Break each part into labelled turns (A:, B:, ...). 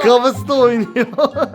A: Kafası da oynuyor.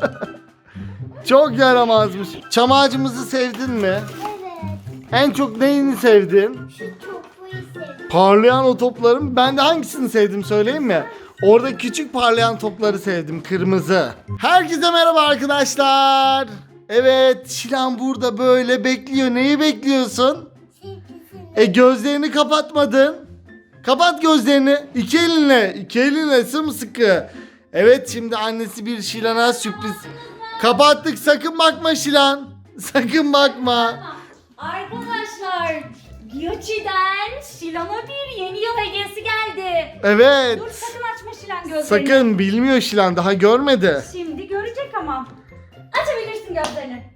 A: Çok yaramazmış. Çam ağacımızı sevdin mi?
B: Evet.
A: En çok neyini sevdin?
B: Şu topuyu sevdim.
A: Parlayan o topların. Ben de hangisini sevdim söyleyeyim mi? Orada küçük parlayan topları sevdim. Kırmızı. Herkese merhaba arkadaşlar. Evet, Şilan burada böyle bekliyor. Neyi bekliyorsun? Gözlerini kapatmadın. Kapat gözlerini. İki elinle. İki elinle sımsıkı. Evet, şimdi annesi bir Şilan'a sürpriz. Kapattık. Sakın bakma Şilan. Sakın bakma.
C: Arkadaşlar, Gucci'den Şilan'a bir yeni yıl hediyesi geldi.
A: Evet.
C: Dur sakın açma Şilan gözlerini.
A: Sakın, bilmiyor Şilan, daha görmedi.
C: Şimdi görecek ama. Açabilirsin gözlerini.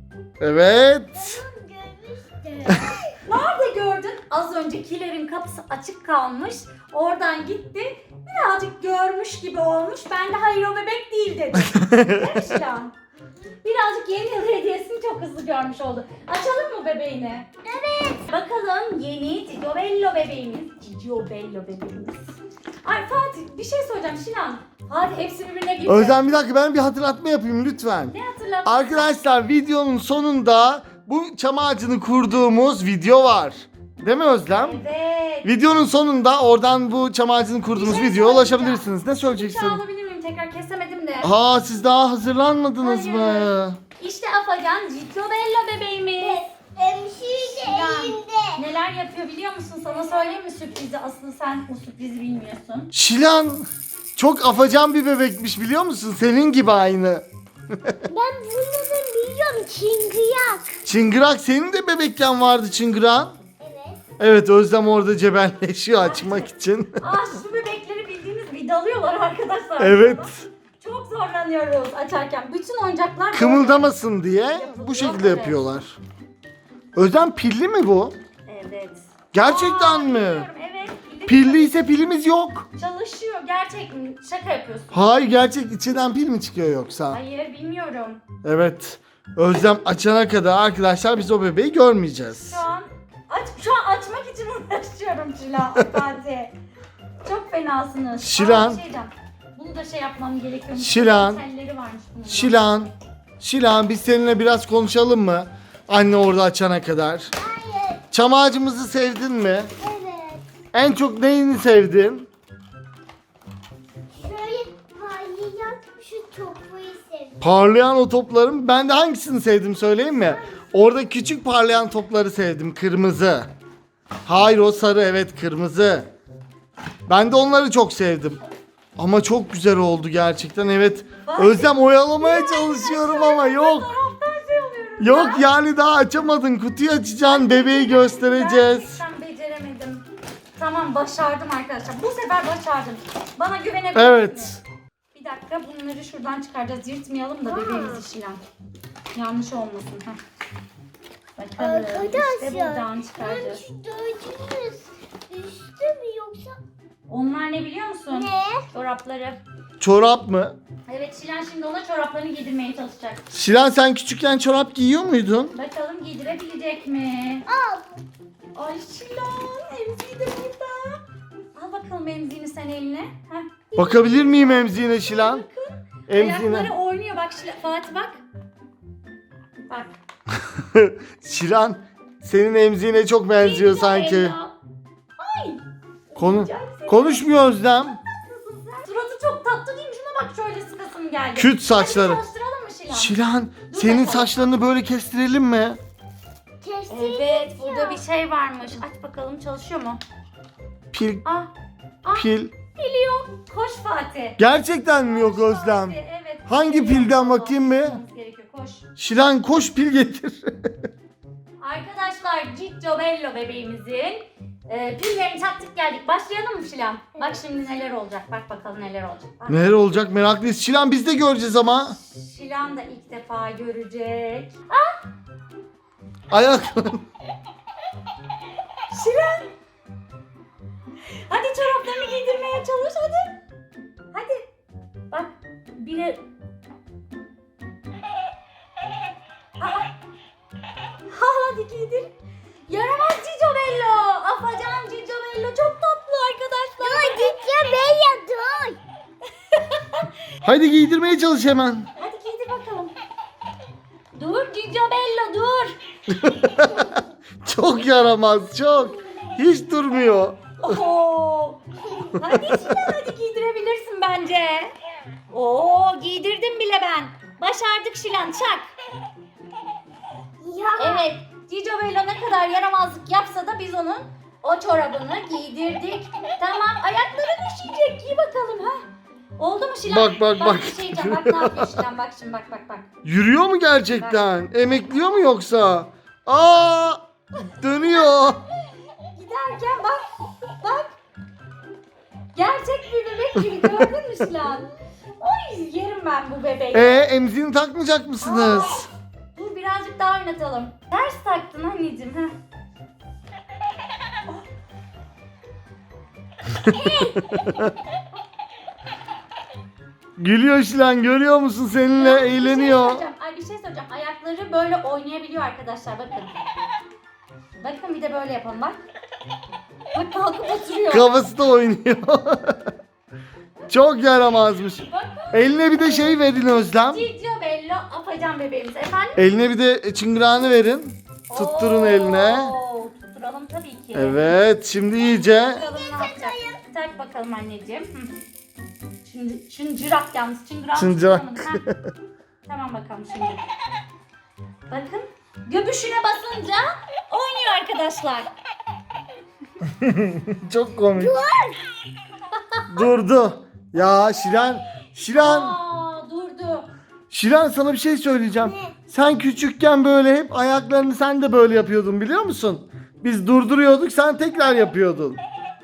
A: Evet.
B: Görmüştüm.
C: Nerede gördün? Az öncekilerin kapısı açık kalmış. Oradan gitti. Birazcık görmüş gibi olmuş. Ben de hayır o bebek değil dedim. Değil mi Şilan? Birazcık yeni yıl hediyesini çok hızlı görmüş oldu. Açalım mı bebeğini? Evet. Bakalım yeni Cicio Bello bebeğimiz. Cicio Bello bebeğimiz. Ay Fatih bir şey soracağım Şilan. Fatih hepsi birbirine girdi.
A: Özlem, bir dakika, ben bir hatırlatma yapayım lütfen.
C: Ne hatırlattın?
A: Arkadaşlar, videonun sonunda bu çam ağacını kurduğumuz video var. Değil mi Özlem?
C: Evet.
A: Videonun sonunda oradan bu çam ağacını kurduğumuz
C: Bir şey
A: videoya
C: söyleyeceğim.
A: ulaşabilirsiniz. Ne söyleyeceksin?
C: Bıçağı alabilir miyim? Tekrar kesemedim de.
A: Aa, siz daha hazırlanmadınız
C: Hayır.
A: mı?
C: İşte Afacan Cicio Bello bebeğimiz.
B: Hemşire
C: Şilan,
B: elinde.
C: neler yapıyor biliyor musun? Sana söyleyeyim mi sürprizi? Aslında sen o sürprizi bilmiyorsun.
A: Şilan çok afacan bir bebekmiş, biliyor musun? Senin gibi aynı.
B: Ben bunları biliyorum. Çıngıyak.
A: Çıngırak, senin de bebekken vardı çıngıran.
B: Evet.
A: Evet, Özlem orada cebelleşiyor açmak için.
C: Şu bebekleri bildiğiniz vidalıyorlar arkadaşlar.
A: Evet.
C: Çok zorlanıyoruz açarken. Bütün oyuncaklar böyle.
A: Kımıldamasın diye bu şekilde yapıyorlar. Özlem, pilli mi bu?
C: Evet.
A: Gerçekten mi?
C: Biliyorum, evet. Bir de
A: Pilli ise pilimiz yok.
C: çalışıyor. Gerçek mi? Şaka yapıyorsun.
A: Hayır, gerçek, içinden pil mi çıkıyor yoksa?
C: Hayır bilmiyorum.
A: Evet. Özlem açana kadar arkadaşlar biz o bebeği görmeyeceğiz.
C: Şu an açmak için uğraşıyorum Şilan. Fatih. Çok fenasınız.
A: Şilan.
C: Bir şey diyeceğim. Bunu da şey yapmam gerekiyormuş.
A: Şilan.
C: Telleri varmış bunun.
A: Şilan biz seninle biraz konuşalım mı? Anne orada açana kadar.
B: Hayır.
A: Çam ağacımızı sevdin mi?
B: Evet.
A: En çok neyini sevdin?
B: Şöyle parlayan şu topuyu sevdim.
A: Parlayan o topların. Ben de hangisini sevdim söyleyeyim mi? Orada küçük parlayan topları sevdim. Kırmızı. Hayır, o sarı, evet, kırmızı. Ben de onları çok sevdim. Ama çok güzel oldu gerçekten, evet. Özlem, oyalamaya çalışıyorum ama yok.
C: Taraftan şey oluyorum.
A: Yok yani, daha açamadın. Kutuyu açacaksın, bebeği göstereceğiz.
C: Gerçekten beceremedim. Tamam başardım arkadaşlar. Bu sefer başardım. Bana güvenebilirsiniz.
A: Evet.
C: Bir dakika bunları şuradan çıkaracağız. Yırtmayalım da bebeğimizi Şilan. Yanlış olmasın. Heh. Bakalım. İşte buradan çıkaracağız.
B: Şu dördünüz üstü mü yoksa?
C: Onlar ne biliyor musun?
B: Ne?
C: Çorapları.
A: Çorap mı?
C: Evet Şilan şimdi ona çoraplarını giydirmeye çalışacak.
A: Şilan, sen küçükken çorap giyiyor muydun?
C: Bakalım giydirebilecek mi?
B: Al.
C: Ay Şilan emziği de burada. Al bakalım emziğini sen eline. Heh.
A: Bakabilir miyim emziğine Şilan?
C: Bakın.
A: Emziğine.
C: Ayakları oynuyor bak Fatih bak. Bak.
A: Şilan, senin emziğine çok benziyor sanki.
C: Ella. Ay.
A: Konu
C: Güzel.
A: konuşmuyor Özlem.
C: Suratı çok tatlı değil mi? Şuna bak şöyle sıkasım geldi.
A: Küt saçları.
C: Hadi çalıştıralım mı Şilan?
A: Şilan,
C: Dur
A: senin
C: bakalım.
A: saçlarını böyle kestirelim mi?
B: Kestik.
C: Evet burada bir şey varmış. Aç bakalım çalışıyor mu?
A: Pil,
C: Ah. Ah.
A: pil.
C: Pili yok. Koş Fatih.
A: Gerçekten mi yok Özlem?
C: Fatih, evet.
A: Hangi
C: Pili yok.
A: pilden bakayım mı?
C: Olmamız gerekiyor. Koş.
A: Şilan, koş pil getir.
C: Arkadaşlar Cicio Bello bebeğimizin pillerini taktık geldik. Başlayalım mı Şilan? Bak şimdi neler olacak. Bak bakalım neler olacak. Bak.
A: Neler olacak meraklıyız. Şilan, biz de göreceğiz ama.
C: Şilan da ilk defa görecek.
A: Ayak.
C: Şilan. Hadi çoraplarını giydirmeye çalış hadi. Hadi. Bak biri... Hadi giydir. Yaramaz Cicio Bello. Afacan Cicio Bello çok tatlı arkadaşlar.
B: Dur gideceğim ben ya dur.
A: Haydi giydirmeye çalış hemen.
C: Hadi giydir bakalım. Dur Cicio Bello dur.
A: Çok yaramaz, çok. Hiç durmuyor.
C: Oo. Hadi Şilan hadi giydirebilirsin bence. Oo giydirdim bile ben. Başardık Şilan çak.
B: Ya.
C: Evet Cicio Bello ne kadar yaramazlık yapsa da biz onun o çorabını giydirdik. Tamam ayakların üşüyecek giy bakalım ha. Oldu mu Şilan?
A: Bak.
C: Bir şey diyeceğim bak ne yapıyor Şilan bak şimdi bak.
A: Yürüyor mu gerçekten? Emekliyor mu yoksa? Aa! Dönüyor.
C: Giderken bak. Gerçek bir bebek gibi gördün mü Şilan? Oy yerim ben bu bebeği.
A: Emziğini takmayacak mısınız?
C: Dur birazcık daha oynatalım. Ters taktın anneciğim. Heh.
A: Gülüyor Şilan, görüyor musun? Seninle
C: Ya,
A: eğleniyor.
C: Bir şey söyleyeceğim. Ayakları böyle oynayabiliyor arkadaşlar bakın. Bakın bir de böyle yapalım bak. Bak kalkıp oturuyor.
A: Kafası da oynuyor. Çok yaramazmış.
C: Bakın.
A: Eline bir de şey verin Özlem.
C: Cicio Bello afacan bebeğimiz efendim.
A: Eline bir de çıngırağını verin. Tutturun
C: Oo,
A: eline.
C: Tutturalım tabii ki.
A: Evet, şimdi iyice.
C: Bakalım ne yapacak. Tak bakalım anneciğim. Hı. Şimdi çıngırak yalnız. Çıngırak.
A: Çıngırak.
C: Tamam bakalım şimdi. Bakın. Göbüşüne basınca oynuyor arkadaşlar.
A: Çok komik. Durdu. Ya Şilan.
C: Durdu.
A: Şilan, sana bir şey söyleyeceğim. Sen küçükken böyle hep ayaklarını sen de böyle yapıyordun, biliyor musun? Biz durduruyorduk, sen tekrar yapıyordun.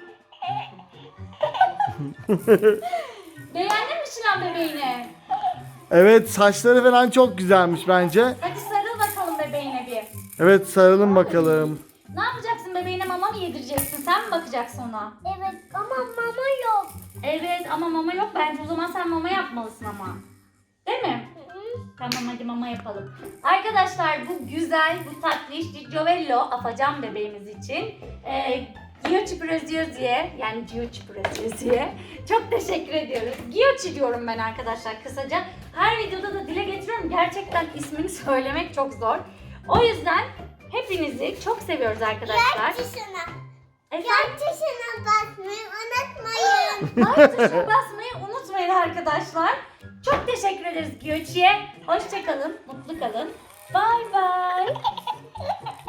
C: Beğendin mi Şilan bebeğini?
A: Evet, saçları falan çok güzelmiş bence.
C: Hadi sarıl bakalım bebeğine bir.
A: Evet, sarılın bakalım.
C: Ne yapacaksın bebeğine mama mı yedireceksin? Sen mi bakacaksın ona?
B: Evet ama mama yok.
C: Evet ama mama yok. Bence o zaman sen mama yapmalısın ama. Değil mi? Tamam hadi mama yapalım. Arkadaşlar bu güzel, bu tatlış Giovello afacan bebeğimiz için Giochi Preziozi'ye yani Giochi Preziozi'ye çok teşekkür ediyoruz. Giochi diyorum ben arkadaşlar kısaca. Her videoda da dile getiriyorum. Gerçekten ismini söylemek çok zor. O yüzden hepinizi çok seviyoruz arkadaşlar.
B: Yak tuşuna.
C: Efendim?
B: Yak tuşuna basmayı unutmayın.
C: Like tuşuna basmayı unutmayın arkadaşlar. Çok teşekkür ederiz Giochi'ye. Hoşça kalın, mutlu kalın. Bye bye.